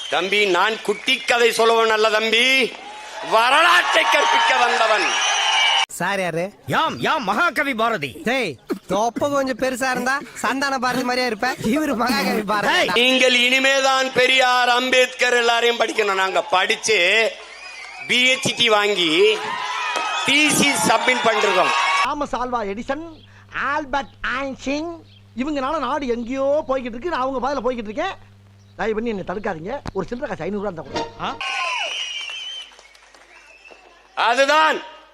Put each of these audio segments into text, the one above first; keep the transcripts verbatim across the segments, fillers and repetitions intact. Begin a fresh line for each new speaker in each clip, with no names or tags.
தம்பி, நான் குட்டி கதை சொல்லுவன் அல்ல தம்பி, வரலாற்றை கற்பிக்க வந்தவன்.
சார் யாரு?
யாம் யாம் மகாகவி பாரதி.
டேய், தொப்ப கொஞ்சம் பெருசா இருந்தா சந்தான பாரதி மாதிரியா இருப்ப. இவரு மகாகவி பாரதி.
நீங்கள் இனிமேதான் பெரியார், அம்பேத்கர் எல்லாரையும் படிக்கணும். நாங்க படிச்சு பிஹெச்டி வாங்கி தீசிஸ் சப்மிட் பண்ணிருக்கோம்.
Thomas Alva Edison, Albert Einstein இவங்கனால நாடு எங்கேயோ போய்கிட்டு இருக்கு. நான் அவங்க பாதையில போய்கிட்டு இருக்கேன். தயவு பண்ணி என்னை தடுக்காதீங்க. ஒரு சில்லறை காசு ஐநூறு ரூபா இருந்தா
அதுதான்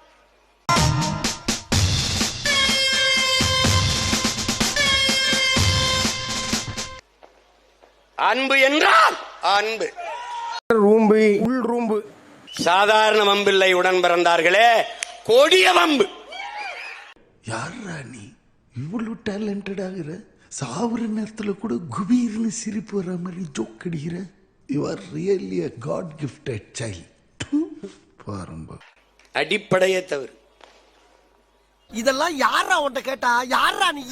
அன்பு என்றால் அன்பு.
ரூம்பு, உள் ரூம்பு.
சாதாரண வம்பில்லை உடன் பிறந்தார்களே, கொடிய வம்பு.
யாரா நீ இவ்வளவு டேலண்டட் ஆகிற? சாவுற நேரத்துல கூட குபீர்னு சிரிப்பு வர மாதிரி ஜோக் அடிக்கிற. You are really a god gifted child. பாருங்க,
அடிப்படையே தவறு.
இதெல்லாம் யாரா உன்கிட்ட கேட்டா? யாரா நீ?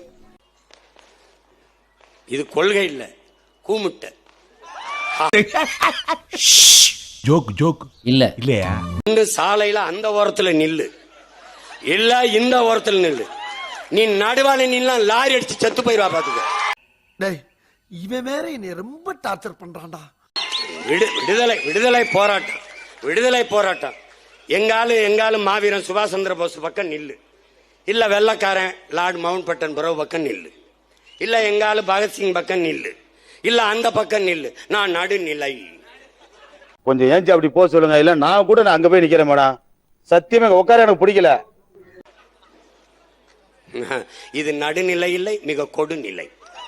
இது கொள்கை இல்ல, கூமுட்ட
ஜோக் ஜோக்
இல்ல
இல்லையா?
இந்த சாலையில அந்த ஓரத்துல நில்லு, இல்ல இந்த ஓரத்துல நில்லு. நீ நடுவால நின்னா லாரி அடிச்சு செத்து போயிருவா பாத்துக்க.
டேய், இவன் வேற என்னை ரொம்ப டார்ச்சர் பண்றான்டா.
விடு விடுதலை விடுதலை போராட்டம் விடுதலை போராட்டம். எங்காலும் எங்காலும் மாவீரன் சுபாஷ் சந்திர போஸ் பக்கம் நில்லு, இல்ல வெள்ளக்காரன் லார்ட் மவுண்ட் பேட்டன் பரோ பக்கம் நில்லு, இல்ல எங்காலும் பகத்சிங் பக்கம் நில்லு, இல்ல அந்த பக்கம் நில்லு. நான் நடுநிலை.
கொஞ்சம் ஏஞ்சி அப்படி போக சொல்லுங்க. இல்ல நான் கூட நான் அங்க போய் நிக்கிறேன் மேடம். சத்தியமா உட்கார எனக்கு பிடிக்கல.
இது நடுநிலை இல்லை, மிக கொடுநிலை.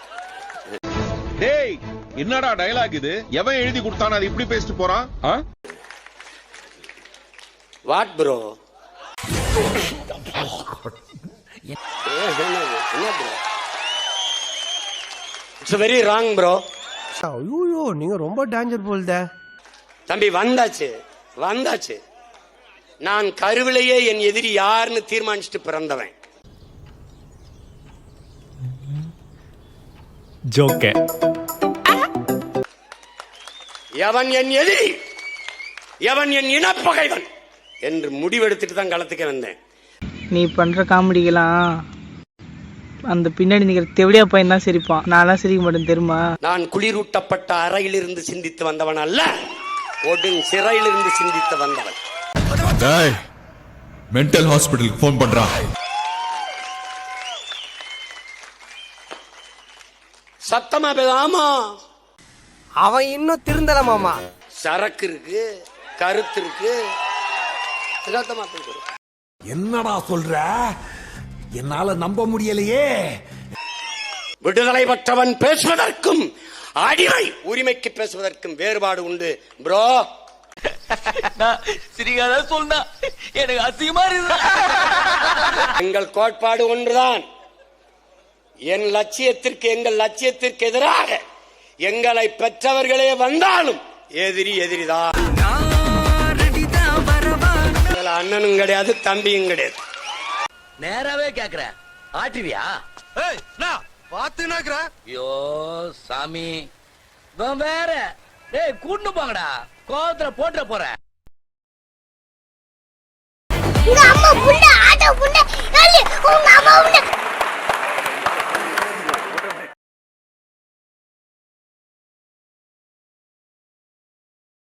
டேய், என்னடா டயலாக் இது? எவன் எழுதி கொடுத்தானே அது இப்படி பேசிட்டு போறான்?
What bro? It's very wrong bro.
ஐயோ, நீங்க ரொம்ப டேஞ்சர் போல்தே.
தம்பி, வந்தாச்சு வந்தாச்சு. நான் கருவிலேயே என் எதிரி யாருன்னு தீர்மானிச்சுட்டு பிறந்தவன்.
ஜோக்க.
எவன் என் எதிரி, எவன் என் இனப்பகைவன் என்று முடிவெடுத்துட்டு தான் களத்துக்கு வந்தேன்.
நீ பண்ற காமெடிக்கெல்லாம் அந்த பின்னாடி நிக்கிற தெவடியா பையன் தான் சிரிப்பான். நான்லாம் சிரிக்க மாட்டேன் தெரியுமா?
நான் குளிரூட்டப்பட்ட அறையிலிருந்து சிந்தித்து வந்தவன் அல்ல, ஒடுங் சிறையிலிருந்து சிந்தித்து வந்தவன்.
மென்டல் ஹாஸ்பிடலுக்கு போன் பண்றான்.
சத்தமா பேசாமா.
அவன் இன்னும் திருந்தல மாமா.
சரக்கு இருக்கு, கருத்து இருக்கு.
என்னடா சொல்ற? என்னால நம்ப முடியலையே.
விடுதலை பெற்றவன் பேசுவதற்கும் அடிமை உரிமைக்கு பேசுவதற்கும் வேறுபாடு உண்டு ப்ரோ.
சிரிக்காத சொன்னா எனக்கு அசிங்கமா இருக்கு.
எங்கள் கோட்பாடு ஒன்றுதான். என் லட்சியத்திற்கு எங்கள் லட்சியத்திற்கு எதிராக எங்களை பெற்றவர்களே வந்தாலும் எதிரி எதிரிதான். அண்ணனும் கிடையாது, தம்பியும் கிடையாது.
நேராவே கேக்குறேன், ஆட்டுவியா?
பாத்துனாக்குற.
ஐயோ சாமி, வேற டேய் கூட்டு போங்கடா, கோவத்துல போட்டுற போறேன்.
உங்க அம்மா புள்ள ஆட்டோ புள்ள உங்க அம்மா புள்ள